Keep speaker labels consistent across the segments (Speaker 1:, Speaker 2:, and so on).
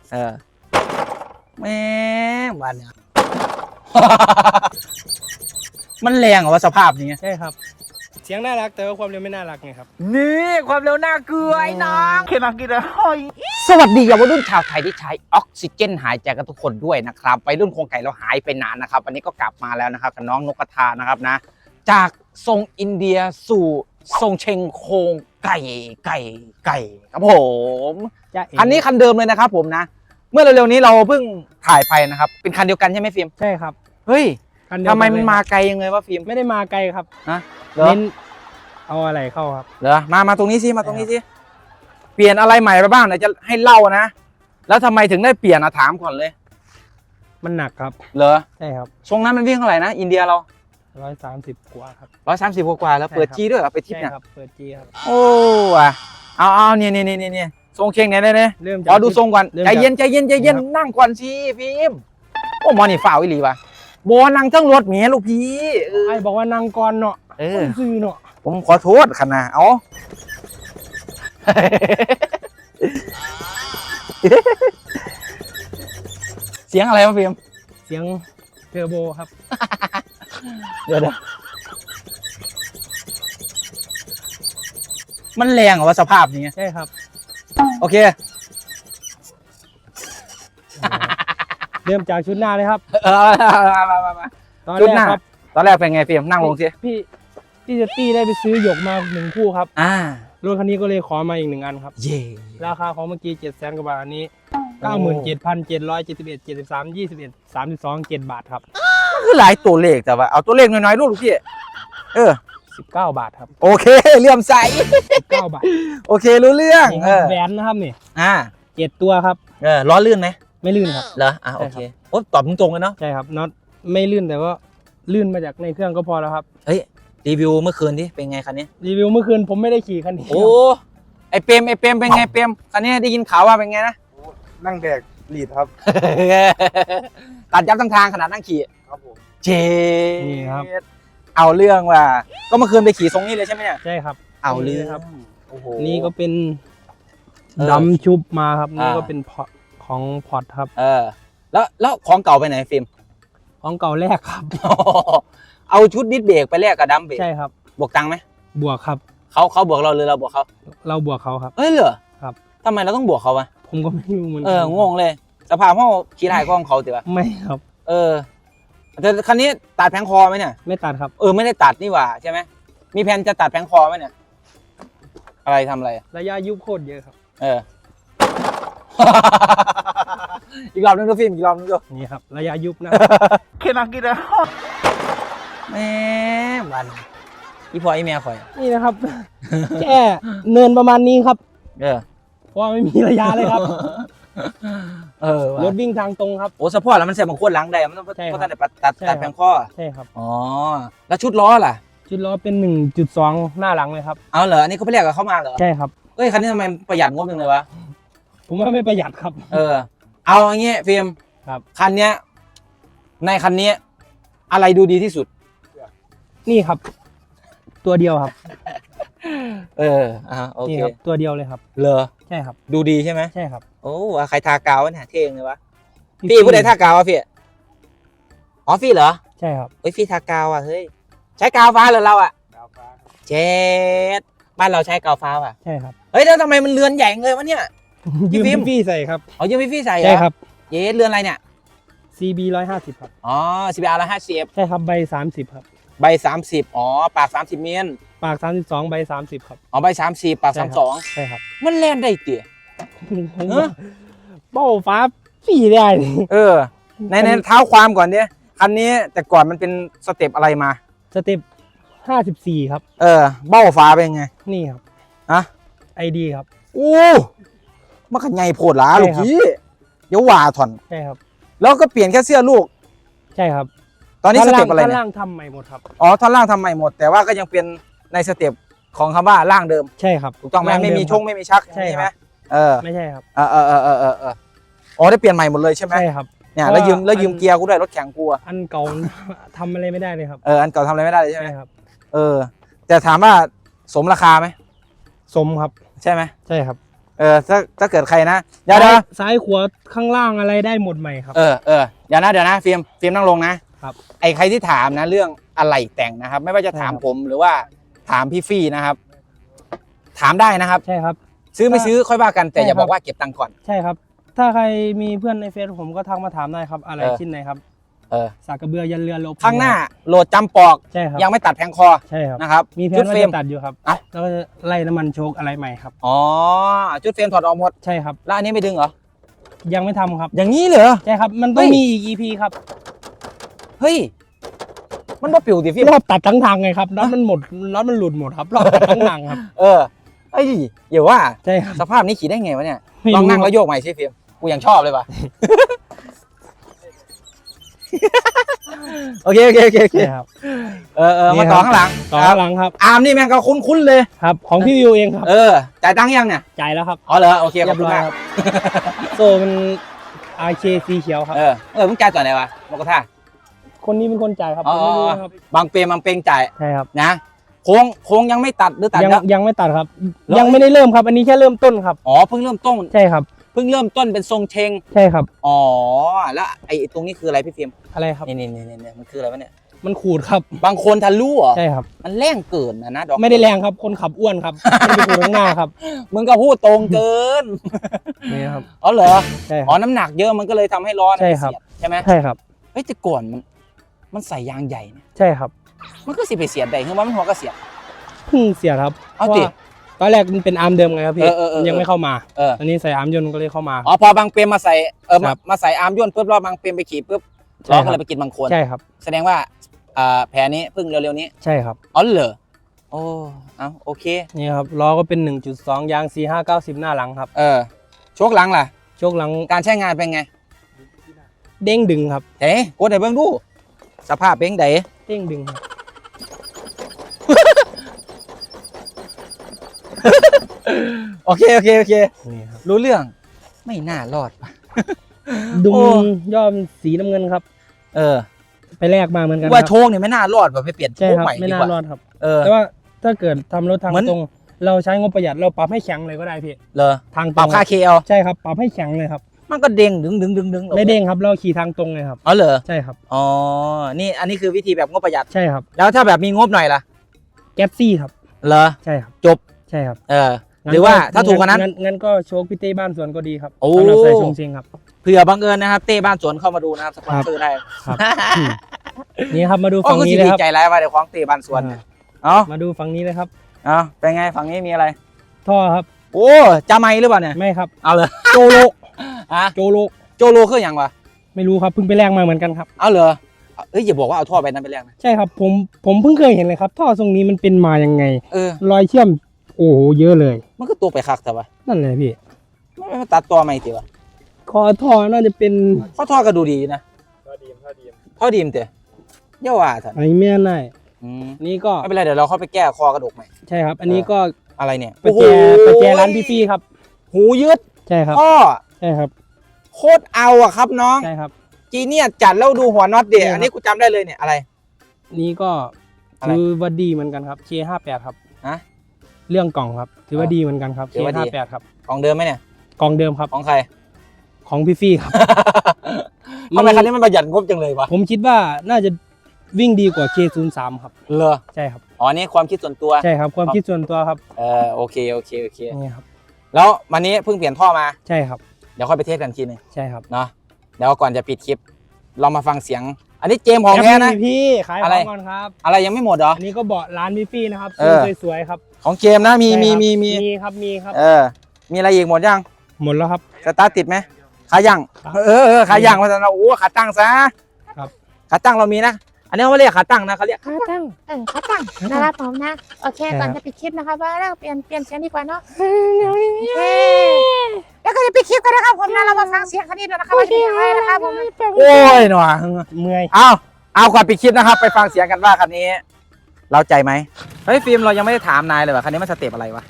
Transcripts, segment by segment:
Speaker 1: แม่บ้านเนี่ย มันแรงเหรอวะสภาพนี้
Speaker 2: ใช่ครับเสียงน่ารักแต่ว่าความเร็วไม่น่ารักไงครับ
Speaker 1: นี่ความเร็วน่าเกลือไอ้น้องเคมากินเลยสวัสดีเยาวรุ่นชาวไทยที่ใช้ออกซิเจนหายใจกันทุกคนด้วยนะครับไปรุ่นโครงไก่เราหายไปนานนะครับวันนี้ก็กลับมาแล้วนะครับกับน้องนกกระทานะครับนะจากทรงอินเดียสู่ทรงเชงโครงไก่ครับผมอันนี้คันเดิมเลยนะครับผมนะเมื่อเร็วๆนี้เราเพิ่งถ่ายไปนะครับเป็นคันเดียวกันใช่ไหมฟิล์ม
Speaker 2: ใช่ครับ
Speaker 1: เฮ้ยทำไมมันมาไกลยังไงวะฟิล์ม
Speaker 2: ไม่ได้มาไกลครับ
Speaker 1: นะ
Speaker 2: เน้นเอาอะไรเข้าครับ
Speaker 1: เหรอมาตรงนี้สิมาตรงนี้สิเปลี่ยนอะไรใหม่ไปบ้างเดี๋ยวจะให้เล่านะแล้วทำไมถึงได้เปลี่ยนถามก่อนเลย
Speaker 2: มันหนักครับ
Speaker 1: เหรอ
Speaker 2: ใช่ครับ
Speaker 1: ทรงนั้นมันวิ่งเท่าไหร่นะอินเดียเรา
Speaker 2: 130กว่าครับ
Speaker 1: 130กว่าแล้วเปิดจีด้วยเหรอไปทิปเนี่ย
Speaker 2: ครับเปิดจีครับ
Speaker 1: โอ้อะเอาเนี่ยทรงเชงเนี่ย
Speaker 2: เริ่ม
Speaker 1: ขอดูทรงก่อนใจเย็นนั่งก่อนสิฟิล์มโอ้มอนี่ฝ่าวิลีป่ะโบนั่งทั้งรถเมียลูกพี่
Speaker 2: ไอ้บอกว่านั่งก่อนเนาะซื้อเนาะ
Speaker 1: ผมขอโทษขนาดเอาเสียงอะไรวะฟิล์ม
Speaker 2: เสียงเทอร์โบครับ
Speaker 1: เดี๋ยวมันแรงเหรอวะสภาพนี้
Speaker 2: ใช่ครับ
Speaker 1: โอเค
Speaker 2: เริ่มจากชุดหน้าเลยครับ
Speaker 1: มาชุดหน้าตอนแรกเป็นไงฟิล์มนั่งลงสิ
Speaker 2: พี่เจตตี้ได้ไปซื้อหยกมา1คู่ครับรถคันนี้ก็เลยขอมาอีก1อันครับ
Speaker 1: เย่
Speaker 2: ราคาของเมื่อกี้700,000 กว่าบาทอันนี้ 97,773 21 32 7 บาทครับ
Speaker 1: ก็คือหลายตัวเลขแต่ว่าเอาตัวเลขน้อยๆลูกพี่
Speaker 2: 19 บาทครับ
Speaker 1: โอเคเลื่อมใส
Speaker 2: 19 บาท
Speaker 1: โอเครู้เรื่อง
Speaker 2: แหวนนะครับนี่7 ตัวครับ
Speaker 1: ล้อลื่นไหม
Speaker 2: ไม่ลื่นครับ
Speaker 1: เหรอโอเคโอ้ตอบตรงๆเลยเนาะ
Speaker 2: ใช่ครับน็อตไม่ลื่นแต่ว่าลื่นมาจากในเครื่องก็พอแล้วครับ
Speaker 1: เฮ้ยรีวิวเมื่อคืนดิเป็นไงคันนี้
Speaker 2: รีวิวเมื่อคืนผมไม่ได้ขี่คันนี้
Speaker 1: โอ้ไอเปรมเป็นไงเปรมคันนี้ได้ยินข่าวว่าเป็นไงนะ
Speaker 3: นั่งแดกลีดครับ
Speaker 1: ตัดยับทั้งทางขนาดนั่งขี่
Speaker 3: ครับผม
Speaker 2: นี่ครับ
Speaker 1: เอาเรื่องว่าก็เมื่อคืนไปขี่ทรงนี้เลยใช่ไหมเนี่ย
Speaker 2: ใช่ครับ
Speaker 1: เอาเรื่อง
Speaker 2: ครับโอ้โหนี่ก็เป็นดำชุบมาครับนี่ก็เป็นของพอร์ตครับ
Speaker 1: แล้วของเก่าไปไหนฟิล์ม
Speaker 2: ของเก่าแรกครับ
Speaker 1: เอาชุดดิสเบรกไปแลกกับดัมเบรก
Speaker 2: ใช่ครับ
Speaker 1: บวกตังค์ไหม
Speaker 2: บวกครับ
Speaker 1: เขาบวกเราหรือเราบวกเขา
Speaker 2: เราบวกเขาครับ
Speaker 1: เหรอ
Speaker 2: ครับ
Speaker 1: ทำไมเราต้องบวกเขาวะ
Speaker 2: ผมก็ไม่รู้เหมือน
Speaker 1: กันงงเลยสภาพห้องขี่ถ่ายกล้องเขาติวะ
Speaker 2: ไม่ครับ
Speaker 1: แต่คันนี้ตัดแผงคอไหมเนี่ย
Speaker 2: ไม่ตัดครับ
Speaker 1: ไม่ได้ตัดนี่หว่าใช่ไหมมีแผนจะตัดแผงคอไหมเนี่ยอะไรทำอะไร
Speaker 2: ระยะยุบโคตรเยอะครับ
Speaker 1: อีกรอบนึงดูฟิล์มอีกรอบนึงดู
Speaker 2: นี่ครับระยะยุบนะ
Speaker 1: เคมากินเลยแม่วันอีพออีเมียคอย
Speaker 2: นี่นะครับแค่เนินประมาณนี้ครับเพราะไม่มีระยะเลยครับรถวิ่งทางตรงครับ
Speaker 1: โอ้สปอร์ตแล้วมันเสียบางคนหลังได้มันต้องตัดแผงข้อ
Speaker 2: ใช่ครับ
Speaker 1: แล้วชุดล้อล่ะ
Speaker 2: ชุดล้อเป็น 1.2 หน้าหลังเลยครับ
Speaker 1: เอาเหรออันนี้เขาไปเรียกกับเขามาเหรอ
Speaker 2: ใช่ครับ
Speaker 1: คันนี้ทำไมประหยัดงบจังเลยวะ
Speaker 2: ผมว่าไม่ประหยัดครับ
Speaker 1: เอาอย่างเงี้ยฟิล์ม
Speaker 2: ครับ
Speaker 1: คันเนี้ยในคันนี้อะไรดูดีที่สุด
Speaker 2: นี่ครับตัวเดียวครับ
Speaker 1: โอเค
Speaker 2: ครับตัวเดียวเลยครับ
Speaker 1: เหรอ
Speaker 2: ใช่ครับ
Speaker 1: ดูดีใช่ไหม
Speaker 2: ใช่ครับ
Speaker 1: โอ้ใครทากาวเนี่ยเท่งเลยวะพี่ผู้ใดทากาววะพี่ฟี่เหรอ
Speaker 2: ใช่ครับ
Speaker 1: ฟี่ทากาวเฮ้ยใช้กาวฟ้าเหรอเรา
Speaker 3: กาวฟ้า
Speaker 1: เจ็ดบ้านเราใช้กาวฟ้า
Speaker 2: ใช่ครับ
Speaker 1: แล้วทำไมมันเรือนใหญ่เลยวะเนี่ย
Speaker 2: ยืมพี่ใส่ครับ
Speaker 1: ยืมพี่ใส่
Speaker 2: ใช่ครับ
Speaker 1: เรือนอะไรเนี่ย
Speaker 2: CB 150ครับ
Speaker 1: CBR 150
Speaker 2: ใช่ครับใบ30ครับ
Speaker 1: ใบ30ปาก30เมตร
Speaker 2: ปาก32ใบ30ครับ
Speaker 1: ใบ30ปาก32
Speaker 2: ใช่ครับ
Speaker 1: มันแล่นได้เตี๋ย
Speaker 2: เบ้าฟ้าพี่ได้
Speaker 1: ในเท้าความก่อนเนี่ยคันนี้แต่ก่อนมันเป็นสเต็ปอะไรมา
Speaker 2: สเต็ป54ครับ
Speaker 1: เบ้าฟ้าเป็นไง
Speaker 2: นี่ครับID ครับ
Speaker 1: มันขันใหญ่โผดหลาลูกพี่เดี๋ยวว่าถอน
Speaker 2: ใช่ครับ
Speaker 1: แล้วก็เปลี่ยนแค่เสื้อลูก
Speaker 2: ใช่ครับ
Speaker 1: ตอนนี้สเต็ปอะไร
Speaker 2: ท่อนล่างทำใหม่หมดครับ
Speaker 1: ท่อนล่างทำใหม่หมดแต่ว่าก็ยังเป็นในสเต็ปของคำว่าล่างเดิม
Speaker 2: ใช่ครับ
Speaker 1: ถูกต้องไหมไม่มีช่องไม่มีชัก
Speaker 2: ใช่ไหมไม่ใช่ครับ
Speaker 1: ได้เปลี่ยนใหม่หมดเลยใช่ไหม
Speaker 2: ใช่ครับ
Speaker 1: เนี่ยแล้วยืมเกียร์กูด้วยรถแข่งกู
Speaker 2: อันเก่าทำอะไรไม่ได้เลยครับ
Speaker 1: อันเก่าทำอะไรไม่ได้เลยใช่ไหม
Speaker 2: ครับ
Speaker 1: แต่ถามว่าสมราคาไหม
Speaker 2: สมครับ
Speaker 1: ใช่ไหม
Speaker 2: ใช่ครับ
Speaker 1: ถ้าเกิดใครนะเดี๋ยวนะ
Speaker 2: ซ้ายขวาข้างล่างอะไรได้หมดใหม่ครับ
Speaker 1: เดี๋ยวนะฟิล์มนั่งลงนะครับ ไอ้ใครที่ถามนะเรื่องอะไรแต่งนะครับ ไม่ว่าจะถาม
Speaker 2: ใช่ครับ
Speaker 1: ผมหรือว่าถามพี่ฟี่นะครับ ถามได้นะครับ
Speaker 2: ใช่ครับ
Speaker 1: ซื้อไม่ซื้อค่อยว่ากันแต่
Speaker 2: ใช่
Speaker 1: อย่า
Speaker 2: ครับ
Speaker 1: บอกว่าเก็บตังค์ก่อน
Speaker 2: ใช่ครับ ถ้าใครมีเพื่อนในเฟซผมก็ทักมาถามได้ครับ อะไร
Speaker 1: เออ
Speaker 2: ชิ้นไหนครับ สากกระเบือยันเรือลบ
Speaker 1: ข้างหน้าโหลดจำปอก
Speaker 2: ใช่ครับ
Speaker 1: ยังไม่ตัดแผงคอ
Speaker 2: ใช่ครับ
Speaker 1: นะครับ
Speaker 2: มีแผ
Speaker 1: ชุ
Speaker 2: น
Speaker 1: ด
Speaker 2: ว่า
Speaker 1: เฟรม
Speaker 2: จะตัดอยู่ครับ
Speaker 1: เอ้า
Speaker 2: แล้วก็จะไล่น้ำมันโชคอะไรใหม่ครับ
Speaker 1: อ๋อชุดเฟรมถอดออกหมด
Speaker 2: ใช่ครับ
Speaker 1: แล้วอันนี้ไม่ดึงเหรอ
Speaker 2: ยังไม่ทำครับ
Speaker 1: อย่างนี้เหรอ
Speaker 2: ใช่ครับ มันต้อง
Speaker 1: เฮ้ย
Speaker 2: มีอีก EP ครับ
Speaker 1: เฮ้ยมันบ่ปิวสิฟิล์ม
Speaker 2: รอบตัดทั้งทางไงครับน็อตมันหมดน็อตมันหลุดหมดครับรอบตัดทั้งทางครับ
Speaker 1: เอ้ยอย่าว่า
Speaker 2: ใช่ครับ
Speaker 1: สภาพนี้ขี่ได้ไงวะเนี่ย
Speaker 2: ไม่รู้
Speaker 1: ลองนั่งแล้วโยกใหม่สิฟิล์มกูยังชอบเลยว่ะ โอเค
Speaker 2: ใช่ครับ
Speaker 1: มาต่อข้างหลัง
Speaker 2: ต่อข้างหลังครับ
Speaker 1: อาร์มนี่แม่งก็คุ้นๆเลย
Speaker 2: ครับ ของพี่วิวเองครับ
Speaker 1: จ่ายตังค์ยังเนี่ย
Speaker 2: จ่ายแล้วครับ
Speaker 1: อ๋อเหรอโอเคข
Speaker 2: เรี
Speaker 1: อย บบ
Speaker 2: ร้
Speaker 1: คุณ
Speaker 2: อย
Speaker 1: มาก
Speaker 2: ครับ โซ่มัน RK สีเขียวครับ
Speaker 1: มึงจ่ายต่อไหนวะโมกท่า
Speaker 2: คนนี้เป็นคนจ่ายครับ
Speaker 1: อ๋
Speaker 2: ผ
Speaker 1: อ
Speaker 2: มไม่รู้นะครับ
Speaker 1: บางเปรมบางเปงจ่าย
Speaker 2: ใช่ครับ
Speaker 1: นะโค้งยังไม่ตัดหรือตัด
Speaker 2: ยัง
Speaker 1: แล้ว
Speaker 2: ยังไม่ตัดครับ
Speaker 1: แล้ว
Speaker 2: ยังไม่ได้เริ่มครับ อันนี้แค่เริ่มต้นครับ
Speaker 1: อ๋อเพิ่งเริ่มต้น
Speaker 2: ใช่ครับ
Speaker 1: เพิ่งเริ่มต้นเป็นทรงเชง
Speaker 2: ใช่ครับ
Speaker 1: อ๋อแล้วไอ้ตรงนี้คืออะไรพี่ฟิล์ม
Speaker 2: อะไรครับ
Speaker 1: นี่มันคืออะไรวะเนี่ย
Speaker 2: มันขูดครับ
Speaker 1: บางคนทะลุเหรอ
Speaker 2: ใช่ครับ
Speaker 1: มันแรงเกินนะดอก
Speaker 2: ไม่ได้แรงครับ คนขับอ้วนครับไม่ได้ขูดข้างหน้าครับ
Speaker 1: มึงก็พูดตรงเกิน
Speaker 2: นี่ครับ
Speaker 1: อ๋อเหรอ
Speaker 2: ใช่ค
Speaker 1: อ๋อ
Speaker 2: รับ
Speaker 1: น้ำหนักเยอะมันก็เลยทำให้ล้อ
Speaker 2: ใช่ครับ
Speaker 1: เสียดใช่ไหม
Speaker 2: ใช่ครับ
Speaker 1: เฮ้ยแต่ก่อนมันใส่ยางใหญ่นะ
Speaker 2: ใช่ครับ
Speaker 1: มันก็สิไปเสียดได้คือว่ามันหัวก็เสียด
Speaker 2: เพิ่งเสียครับ
Speaker 1: เอา
Speaker 2: พระ
Speaker 1: สิ
Speaker 2: ว่ตอนแรกมันเป็นอาร์มเดิมไงครับพี่ มันยังไม่เข้ามา
Speaker 1: เออ
Speaker 2: อันนี้ใส่อาร์มยนต์ก็เลยเข้ามา
Speaker 1: อ๋อพอบางเปรมมาใส่
Speaker 2: ครับ
Speaker 1: มาใส่อาร์มย่นปุ๊บรอบบางเปรมไปขี่ปุ๊บ
Speaker 2: ใช่
Speaker 1: ล้อ
Speaker 2: ครับ
Speaker 1: ก็เลยไปกินบางคน
Speaker 2: ใช่ครับ
Speaker 1: แสดงว่าแผลนี้เพิ่งเร็วๆนี้
Speaker 2: ใช่ครับ
Speaker 1: อ๋อเหรอโอ้เอาโอเค
Speaker 2: นี่ครับล้อก็เป็น 1.2 ยาง 4590 หน้าหลังครับ
Speaker 1: โชคหลังล่ะ
Speaker 2: โชคหลัง
Speaker 1: การใช้งานเป็นไง
Speaker 2: เด้งดึงครับ
Speaker 1: เฮ้กดให้เบิ่งดูสภาพเป็นไง
Speaker 2: เด้งดึงครับ
Speaker 1: โอเค
Speaker 2: นี่ครับ
Speaker 1: รู้เรื่องไม่น่ารอดว่ะ
Speaker 2: ดุม
Speaker 1: โอ้
Speaker 2: ย่อมสีน้ำเงินครับ ไปแลกมาเหมือนกัน
Speaker 1: ว่า
Speaker 2: ค
Speaker 1: โช
Speaker 2: รับ
Speaker 1: คเนี่ยไม่น่ารอดว่ะไปเปลี่ยนโช
Speaker 2: ใช่
Speaker 1: ค
Speaker 2: ครับ
Speaker 1: ใหม่
Speaker 2: ไม่
Speaker 1: ดี
Speaker 2: น่าก
Speaker 1: ว่า
Speaker 2: รอดครับ
Speaker 1: เออ
Speaker 2: แต่ว่าถ้าเกิดทำรถทาง
Speaker 1: เหมือน
Speaker 2: ตรง เราใช้งบประหยัดเราปรับให้แข็งเลยก็ได้พี่
Speaker 1: เหรอ
Speaker 2: ทางต
Speaker 1: ป
Speaker 2: ร
Speaker 1: รับ
Speaker 2: ง
Speaker 1: ค่าเคเอา
Speaker 2: ใช่ครับปรับให้แข็งเลยครับ
Speaker 1: มันก็เด้งดึง
Speaker 2: ไม่เด้งครับเราขี่ทางตรงเลยครับ
Speaker 1: อ๋อเหรอ
Speaker 2: ใช่ครับ
Speaker 1: อ๋อนี่อันนี้คือวิธีแบบงบประหยัด
Speaker 2: ใช่ครับ
Speaker 1: แล้วถ้าแบบมีงบหน่อยล่ะ
Speaker 2: แก๊ปซี่ครับ
Speaker 1: เหรอ
Speaker 2: ใช่ครับ
Speaker 1: จบ
Speaker 2: ใช่ครับ
Speaker 1: หรือว่าถ้าถูกกว่านั้น
Speaker 2: งั้นก็โชคพี่เต้บ้านสวนก็ดีครับ
Speaker 1: โอ้
Speaker 2: สำหรับใส่ชงเชงครับ
Speaker 1: เผื่อบังเอิญนะครับเต้บ้านสวนเข้ามาดูนะครับสปอนเซอร์ได้
Speaker 2: ครับ นี่ครับมาดู
Speaker 1: โอ้
Speaker 2: ฝั่ง
Speaker 1: ก็
Speaker 2: นี้
Speaker 1: สิ
Speaker 2: เลย
Speaker 1: ดี
Speaker 2: ครับ
Speaker 1: ใจร้ายว่าเดี๋ยวของเต้บ้านสวนเนี่ยเอา
Speaker 2: มาดูฝั่งนี้เลยครับ
Speaker 1: เอาเป็นไงฝั่งนี้มีอะไร
Speaker 2: ท่อครับ
Speaker 1: โอ้จะไม่หรือเปล่าเนี่ย
Speaker 2: ไม่ครับ
Speaker 1: เอาเลย
Speaker 2: โจโล
Speaker 1: อะ
Speaker 2: โจโล
Speaker 1: โจโลคืออย่างวะ
Speaker 2: ไม่รู้ครับเพิ่งไปแลกมาเหมือนกันครับ
Speaker 1: เอาเหรอเอ้ยอย่าบอกว่าเอาท่อไปนั้นไปแลกนะ
Speaker 2: ใช่ครับผมเพิ่งเคยเห็นเลยครับ ท่อทรงนี้มันเป็นมายังไง รอยเชื่อมโอ้โหเยอะเลย
Speaker 1: มันก็ตัวไปคักแต่ว่า
Speaker 2: นั่นเลยพี่
Speaker 1: ไม่มาตัดตัวใหม่ติวะ
Speaker 2: คอท่อน่าจะเป็น
Speaker 1: ข้อท่อก็ดูดีนะ
Speaker 3: ท่อดีม
Speaker 1: ท่อดีมเตะเย่าว่าท่าน
Speaker 2: ไอแม่นาย
Speaker 1: อืม
Speaker 2: นี่ก็
Speaker 1: ไม่เป็นไรเดี๋ยวเราเข้าไปแก้คอกระดูกใหม่
Speaker 2: ใช่ครับ อันนี้ก็
Speaker 1: อะไรเนี่ย
Speaker 2: ประแจร้านพี่ฟี่ครับ
Speaker 1: หูยืด
Speaker 2: ใช่ครับ
Speaker 1: ท่อ
Speaker 2: ใช่ครับ
Speaker 1: โคตรเอาอะครับน้อง
Speaker 2: ใช่ครับ
Speaker 1: จีเนี่ยจัดแล้วดูหัวน็อตเดีย
Speaker 2: ใช่ครับ
Speaker 1: อันนี้กูจำได้เลยเนี่ยอะไร
Speaker 2: นี่ก็
Speaker 1: อะไร
Speaker 2: ถือว่าดีเหมือนกันครับ K58 ครับ
Speaker 1: ฮะ
Speaker 2: เรื่องกล่องครับ ถือว่าดีเหมือนกันครับ
Speaker 1: ถือว่าดี
Speaker 2: K58 ครับ
Speaker 1: ของเดิมไหมเนี่ย
Speaker 2: กล่องเดิมครับ
Speaker 1: ของใคร
Speaker 2: ของพี่ฟี่ครับ
Speaker 1: ทำไมคันนี้มันประหยัดงบจังเลยวะ
Speaker 2: ผมคิดว่าน่าจะวิ่งดีกว่า K03 ครับ
Speaker 1: เลอ
Speaker 2: ใช่ครับ
Speaker 1: อ๋อนี่ความคิดส่วนตัว
Speaker 2: ใช่ครับความคิดส่วนตัวครับ
Speaker 1: โอเค
Speaker 2: นี่ครับ
Speaker 1: แล้ววันนี้เพิ่งเปลี่ยนท่อมา
Speaker 2: ใช่ครับ
Speaker 1: เดี๋ยวค่อยไปเทสกันทีหนึง
Speaker 2: ใช่ครับ
Speaker 1: เนาะเดี๋ยวก่อนจะปิดคลิปเรามาฟังเสียง อันนี้เจมส์ของแท้นะ
Speaker 2: พี่ขายข
Speaker 1: อะไร
Speaker 2: องก่อนครับ
Speaker 1: อะไรยังไม่หมดเหรอ
Speaker 2: อันนี้ก็เบาะร้านพี่ฟี่นะครับ
Speaker 1: เออ
Speaker 2: สวยๆครับ
Speaker 1: ของเจมส์นะมี
Speaker 2: ใช่ครับ
Speaker 1: มี
Speaker 2: มีครับมีครับ
Speaker 1: มีอะไรอีกหมดยัง
Speaker 2: หมดแล้วครับ
Speaker 1: สตาร์ทติดไหมขายัง
Speaker 2: ครับ
Speaker 1: ขายังมาแต่เราโอ้ขาตั้งซะ
Speaker 2: ครับ
Speaker 1: ขาตั้งเรามีนะ อันนี้เขาไม่เรียกขาตั้งนะเขาเรียก
Speaker 4: ขาตั้งขาตั้งนะครับผมนะ โอเค ก่อนจะปิดคลิปนะครับว่าเราเปลี่ยนเสียงดีกว่าเนาะโอเคแล้วก็จะปิดคลิปกันนะครับผมนะเรามาฟังเสียงคันนี้ด้วยนะครับว่าจะเป็นยังไงนะครับผม
Speaker 1: โอ้ยหน่อย
Speaker 2: เมื่อย
Speaker 1: เอาก่อนปิดคลิปนะครับ ไปฟังเสียงกันว่าคันนี้ เราใจไหมเฮ้ยฟิล์มเรายังไม่ได้ถามนายเลยว่าคันนี้มันสเต็ปอะไรวะ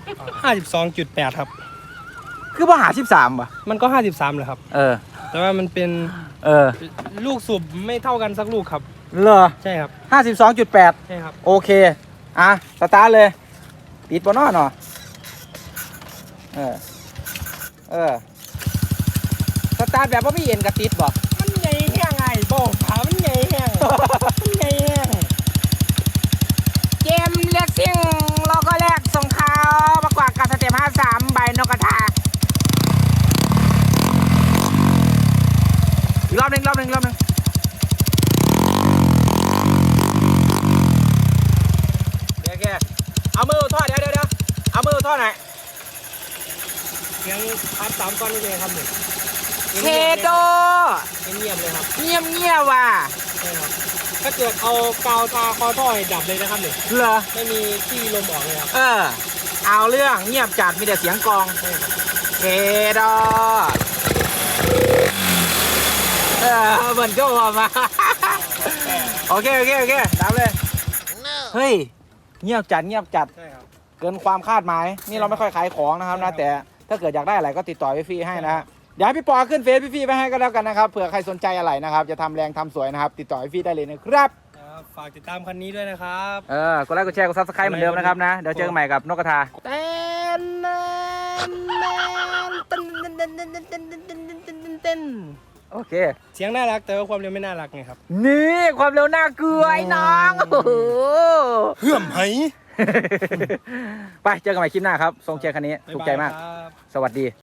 Speaker 2: 52.8 ครับ
Speaker 1: คือว่าหา13ว่ะ
Speaker 2: มันก็ 53เลยครับ แต่ว่ามันเป็นลูกสูบไม่เท่ากันสักลูกครับ
Speaker 1: เหรอ
Speaker 2: ใช่ครับ
Speaker 1: 52.8
Speaker 2: ใช่ครับ
Speaker 1: โอเคสตาร์ทเลยปิดบนนอเนาะสตาร์ทแบบว่าไม่เย็นกระติดบ่
Speaker 2: มันใหญ่แห้งไงบอกขามันใหญ่แห้งมันใหญ่แห้ง
Speaker 4: เกมเลือกซิ่งเราก็แลกส่งข่าวประกวดกับสเต็ป53ใบนกกระทา
Speaker 1: อีกรอบหนึ่งโอเคเอามือทอดเดี๋ยวเอามือทอดหน่อย
Speaker 2: เสียงพัดสามก้อนนี่เลยครับหนึ่ง
Speaker 1: เทโด
Speaker 2: เงียบเลยครับ
Speaker 1: เงียบว่ะ
Speaker 2: ใช่ครับถ้าเกิดเอากาวทาคอท่อให้ดับเลยนะครับหนึ่ง
Speaker 1: เหรอ
Speaker 2: ไม่มีที่ลมออกเลยครับ
Speaker 1: เอาเรื่องเงียบจัดมีแต่เสียงกลอง
Speaker 2: ใช่ครับ
Speaker 1: เทโดเหมือนก็ว่ามา โอเคตามเลยเฮ้ยเงียบจัด
Speaker 2: ใช่ครับ
Speaker 1: เกินความคาดหมายนี่เราไม่ค่อยขายของนะครับนะแต่ถ้าเกิดอยากได้อะไรก็ติดต่อพี่ให้นะฮะเดี๋ยวให้พี่ปอขึ้นเฟซพี่ไปให้ก็แล้วกันนะครับเผื่อใครสนใจอะไรนะครับจะทำแรงทำสวยนะครับติดต่อพี่ได้เลยนะครับ
Speaker 2: ครับฝากติดตามคันนี้ด้วยนะครับ
Speaker 1: กดไลค์กดแชร์กดซับสไครต์เหมือนเดิมนะครับนะเดี๋ยวเจอกันใหม่กับนกกระทา โอเค
Speaker 2: เสียงน่ารักแต่ว่าความเร็วไม่น่ารักไงครับ
Speaker 1: นี่ความเร็วน่าเกลือไอ้น้องโอ้โห
Speaker 3: เพื่อมไห
Speaker 1: ไปเจอกันใหม่คลิปหน้าครับทรงเชียร์คันนี้ถูกใจมาก
Speaker 2: บ๊ยบยครับ
Speaker 1: สวัสดี